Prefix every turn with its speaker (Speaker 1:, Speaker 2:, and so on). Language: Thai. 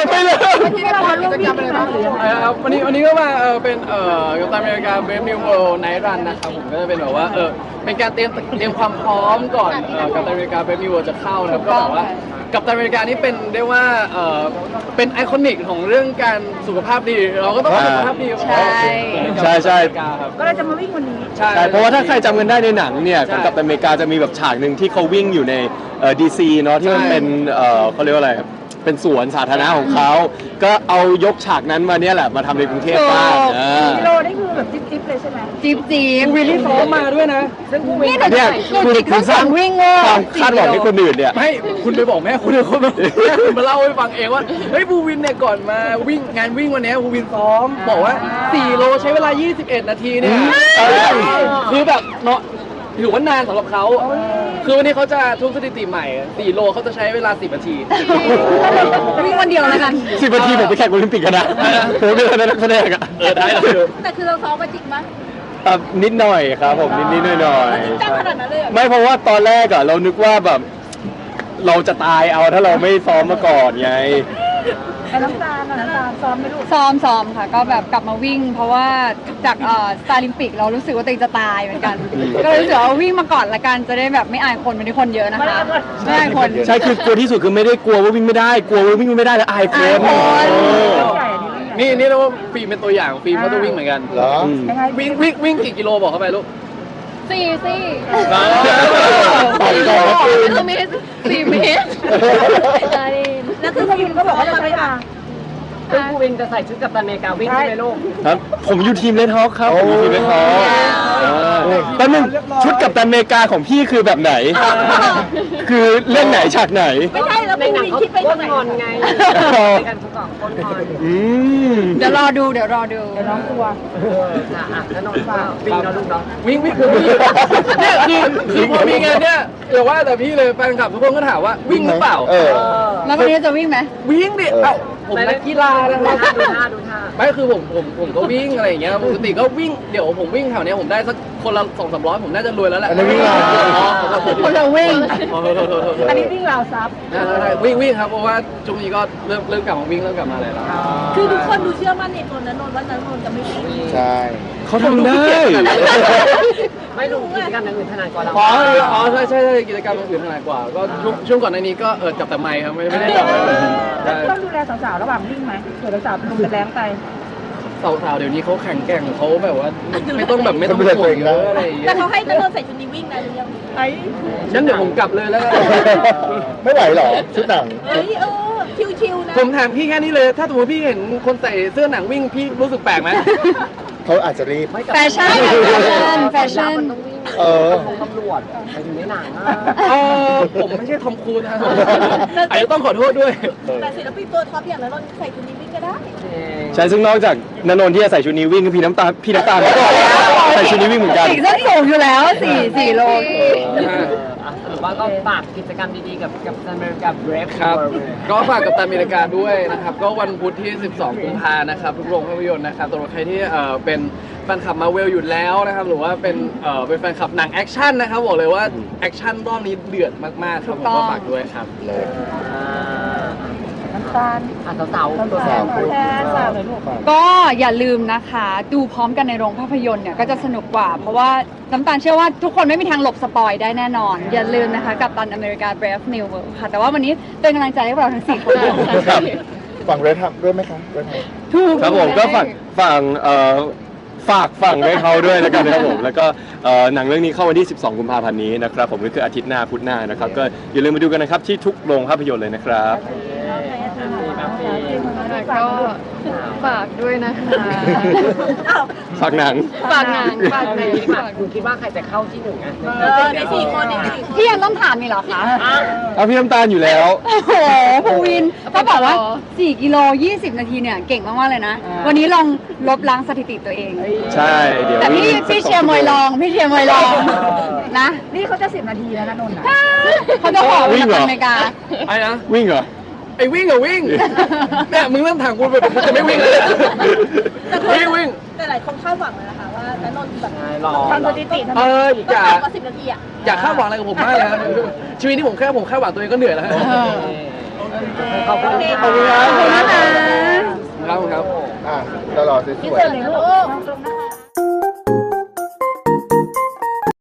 Speaker 1: ยังไม่เลย
Speaker 2: ที่เรามาร่วมวิ่งกันบ้างหรือยังไง
Speaker 3: ครับวันนี้ก็มาเป็นกัปตันอเมริกาเบฟนิวเวิลด์ไนท์รันนะครับผมก็จะเป็นแบบว่าเป็นการเตรียมความพร้อมก่อนกัปตันอเมริกาเบฟนิวเวิลด์จะเข้านะครับก็แบบว่ากัปตันอเมริกานี่เป็นเรียกว่าเป็นไอคอนิกของเรื่องการสุขภาพดีเราก็ต้องสุขภาพดี
Speaker 1: ใช่ครับ
Speaker 2: ก็เลยจะมาวิ่งวันนี้
Speaker 3: ใช่
Speaker 1: ใช่เพราะว่าถ้าใครจำกันได้ในหนังเนี่ยของกัปตันอเมริกาจะมีแบบฉากหนึ่งที่เขาวิ่งอยู่ในดีซีเนาะที่มันเป็นเขาเรียกว่าอะไรเป็นสวนสาธารณะของเขาก็เอายกฉากนั้นมาเนี่ยแหละมาทำในกรุงเทพบ้าง
Speaker 2: กิโลนี่คือแบบจิ๊บๆเลยใช่ไหม
Speaker 4: จีบจีบ
Speaker 3: วิลลี่ซ้อมมาด้วยนะ
Speaker 2: ซึ่งผู้วิ่ง
Speaker 1: เนี่ยคุณสร้าง
Speaker 4: วิ่งโง่
Speaker 1: ความคาดหวังให้คนอื่นเนี่ย
Speaker 3: ไม่คุณไปบอกแม่คุณเลยแม่คุณมาเล่าให้ฟังเองว่าเฮ้ยบูวินเนี่ยก่อนมาวิ่งงานวิ่งวันนี้บูวินซ้อมบอกว่า4โลใช้เวลา21นาทีเนี่ยคือแบบเนาะถือว่านานสำหรับเขาคือวันนี้เขาจะทุบสถิติใหม่4โลเขาจะใช้เวลา10นาที
Speaker 4: วิ่งวันเดียวแล้วกัน
Speaker 1: 10 นาทีผมไปแข่งโอลิมปิกกันนะผมเป็นนักแสดงอะ
Speaker 3: ได้แล้ว
Speaker 2: แต่คือเราซ้อมมาจริงไหม
Speaker 1: นิดหน่อยครับผมนิดหน่อย
Speaker 2: จ้างขนาดนั้นเลย
Speaker 1: ไม่เพราะว่าตอนแรกอะเรานึกว่าแบบเราจะตายเอาถ้าเราไม่ซ้อมมาก่อนไง
Speaker 2: แต่น้ำตาลซ้อมไม่รู้
Speaker 4: ซ้อมค่ะ ก็แบบกลับมาวิ่ง เพราะว่าจากสตาร์ลิมปิกเรารู้สึกว่าตัวเองจะตายเหมือนกัน ก็เลยรู้สึกว่าวิ่งมาก่อนละกันจะได้แบบไม่อายคนไม่ได้คนเยอะนะคะไม่อายคน
Speaker 1: ใช่คือกลัวที่สุดคือไม่ได้กลัวว่าวิ่งไม่ได้กลัวว่าวิ่งไม่ได้แล้วอายคน
Speaker 2: ใหญ่นี่
Speaker 3: นี่เรียกว่าฟิล์มเป็นตัวอย่างฟิล์มเขาจะวิ่งเหมือนกัน
Speaker 1: เหรอ
Speaker 2: ยังไง
Speaker 3: วิ่งกี่กิโลบอกเข้าไปลูก
Speaker 4: สี่
Speaker 1: ต่อยก่อนนะฟิล์ม
Speaker 4: เมตร4 เมตร
Speaker 2: แล้วคือพยินก็บอกว่าจะใช้ทาง
Speaker 5: ซึ่งผู้วินจะใส่ชุดกัปตันอเมริกาวิ่งใช่ไหมลูก
Speaker 1: ครับผมอยู่ทีมเลนฮอคครับผมอยู่ทีมเลนฮอคแป๊บนึงชุดกับตันอเมริกาของพี่คือแบบไหน คือเรื่องไหนฉากไหน
Speaker 2: ไม่ใช่แล้ว
Speaker 5: ใน
Speaker 2: ผู้
Speaker 5: หนัง
Speaker 2: วิ่ง
Speaker 5: เขา
Speaker 2: คิดไป
Speaker 5: ก้
Speaker 2: ตรง
Speaker 5: น
Speaker 2: ไหน
Speaker 5: งอนไงในการทุกสองก้นงอน
Speaker 1: อืม
Speaker 4: เดี๋ยวรอดู
Speaker 2: เดี๋ยวน้องกลัว
Speaker 5: ค่ะอ่ะแล้วนอนฟ้าวิ่งเนาะลูกเนาะ
Speaker 3: วิ่งเนี่ยคือพอมีงานเนี่ยอย่าว่าแต่พี่เลยแฟนคลับทุกคนก็ถามว่าวิ่งหรือเปล่า
Speaker 4: แล้ววันนี้จะวิ่งไหม
Speaker 3: วิ่งดิเอ้าผมนักกีฬานะค
Speaker 5: ดู
Speaker 3: รับ
Speaker 5: ท่าดูท่าดูท่า
Speaker 3: ไม่คือผมก็วิ่งอะไรอย่างเงี้ยปกติก็วิ่งเดี๋ยวผมวิ่งแถวเนี้ยผมได้สักคนละ200-300ผมน่าจะรวยแล้วแหละ
Speaker 1: อันนี้วิ่งอะไร
Speaker 4: คนละวิ่ง
Speaker 2: อันนี้วิ่งราวซับ
Speaker 3: วิ่งครับเพราะว่าช่วงนี้ก็เริ่มกลับมาวิ่งเริ่มกลับมาอะไรแล้ว
Speaker 2: คือทุกคนดูเชื่อมั่นในตัวนั้นนนท์ว่านั้นนนท์จะไม่วิ่ง
Speaker 1: ใช่เขาทำได้
Speaker 5: ไม่รู้กิจกรรมอย่างอื่นถนัดกว่าเรา
Speaker 3: อ๋อใช่กิจกรรมอื่นถนัดกว่าก็ช่วงก่อนในนี้ก็จับแต่ไมค์ครับไม่ได้จับอะไรเลย
Speaker 2: แล้วต้องดูแลสาวๆระหว่างวิ่งไหมเผื่อสาวๆนุ่มจะแรงไป
Speaker 3: สาวๆเดี๋ยวนี้เขาแข็งแกร่งเขาแบบว่าไม่ต้องห่วงเยอะอะไรอย่างเงี้
Speaker 2: แต่
Speaker 3: ย
Speaker 2: เขาให้นันนท์ใส่ชุดนี้วิ่งนะหรือยังไอ้
Speaker 3: งั้นเดี๋ยวผมกลับเลยแล้วกัน
Speaker 1: ไม่ไหวหรอชุดหนัง
Speaker 2: เอ้ยชิวๆนะ
Speaker 3: ผมถามพี่แค่นี้เลย ถ้าสมมติพี่เห็นคนใส่เสื้อหนังวิ่งพี่รู้สึกแปลกไหม
Speaker 1: เขาอาจจะรีบ
Speaker 4: แฟชั่นแฟชั่น
Speaker 5: มันต้องวิ่ง
Speaker 1: เออ
Speaker 5: ของตำรวจไปถึงในหนังอ่ะ
Speaker 3: ผมไม่ใช่ทอมครูซนะอาจจะต้องขอโทษด้วย
Speaker 2: แต่ศิลปินตัวท็อปอย่างนันนท์ใส่ชุดนี้วิ่งก็ได้
Speaker 1: ใช่ซึ่งนอกจากณนนท์ที่จะใส่ชุดนี้วิ่งพี่น้ำตาลก็ใส่ชุดนี้วิ่งเหมือนกัน
Speaker 4: สีส้นสูงอยู่แล้ว4 โล
Speaker 5: หรือว่าก็ฝากกิจกรรมดีๆกับกัปตันอเมริกาเบรฟ
Speaker 3: ครับ ก็ฝากกับตันอเมริกาด้วยนะครับ ก็วันพุธที่ 12 กุมภานะครับทุกโรงภาพยนตร์นะครับสำหรับใครที่เป็นแฟนคลับมาเวลอยู่แล้วนะครับ หรือว่าเป็นแฟนคลับหนังแอคชั่นนะครับบอกเลยว่าแอคชั่นรอบนี้เดือดมากๆครับผมก็ฝากด้วยครับ
Speaker 2: น้ำตาล
Speaker 5: สาวๆตัวแทน
Speaker 2: แทนสาวเลยลูก
Speaker 4: ก็อย่าลืมนะคะ ดูพร้อมกันในโรงภาพยนตร์เนี่ยก็จะสนุกกว่า เพราะว่าน้ำตาลเชื่อว่าทุกคนไม่มีทางหลบสปอยได้แน่นอน อย่าลืมนะคะกับตันอเมริกา Brave New World ค่ะ แต่ว่าวันนี้เป็นกำลังใจให้พวกเราทั้ง4 คนด้วยนะคะ
Speaker 6: ฝั่งเรดทับด้วยไหมคะเรดทับ
Speaker 4: ถูก
Speaker 1: ครับผมก็ฝากฝั่งให้เขาด้วยแล้วกันนะครับผมแล้วก็หนังเรื่องนี้เข้าวันที่ 12 กุมภาพันธ์นี้นะครับผมก็คืออาทิตย์หน้าพุธหน้านะครับก็อย่าลืมมาดูกันนะครับที่ทุกโรงภาพยนตร์เลยนะครับ
Speaker 4: ก็ฝากด้วยนะคะ
Speaker 1: ฝากหนัง
Speaker 4: ฝากหนังฝากหนัง
Speaker 5: คุณคิดว่าใครจะเข้าที่หนึ่งอ่ะ
Speaker 2: ใน4 คนใน4 คน
Speaker 4: พี่ยังต้องถามอีกเหรอคะ
Speaker 1: เอาพี่น้ำตาลอยู่แล้ว
Speaker 4: โอ้โหภูวินก็บอกว่า4 กิโล 20 นาทีเนี่ยเก่งมากๆเลยนะ วันนี้ลองลบล้างสถิติตัวเอง
Speaker 1: ใช่เดี๋ยว
Speaker 4: แต่พี่เชียร์มวยลองพี่เชียร์มวยลองนะ
Speaker 2: นี่เขาจะ10 นาทีแล้วนะนนท์นะ
Speaker 4: เขาจะขอวิ่งอเมริกา
Speaker 3: ไอ้นะ
Speaker 1: วิ่งเหรอ
Speaker 3: ไอ้วิ่งวิ่งเนี่ยมึงเริ่มถามกูแบบกูจะไม่วิ่งเลยวิ่ง
Speaker 2: แต่หลายคนคาดหวังเลยนะคะว่านันนท์แบบ
Speaker 5: รอ
Speaker 2: ทำสถิติ
Speaker 3: เออ
Speaker 2: ก็
Speaker 3: อย่า
Speaker 2: ต่ำกว่า10 นาทีอ่ะ
Speaker 3: อยากคาดหวังอะไรกับผมมากเลยครับชีวิตที่ผมแค่คาดหวังตัวเองก็เหนื่อยแล้ว
Speaker 4: เออ
Speaker 5: ขอบคุณ
Speaker 1: ขอบคุณครับ
Speaker 4: ขอบคุณนะคะ
Speaker 3: ครับ
Speaker 6: อ่ะตลอดสวย
Speaker 2: ที่เจอเลยลูก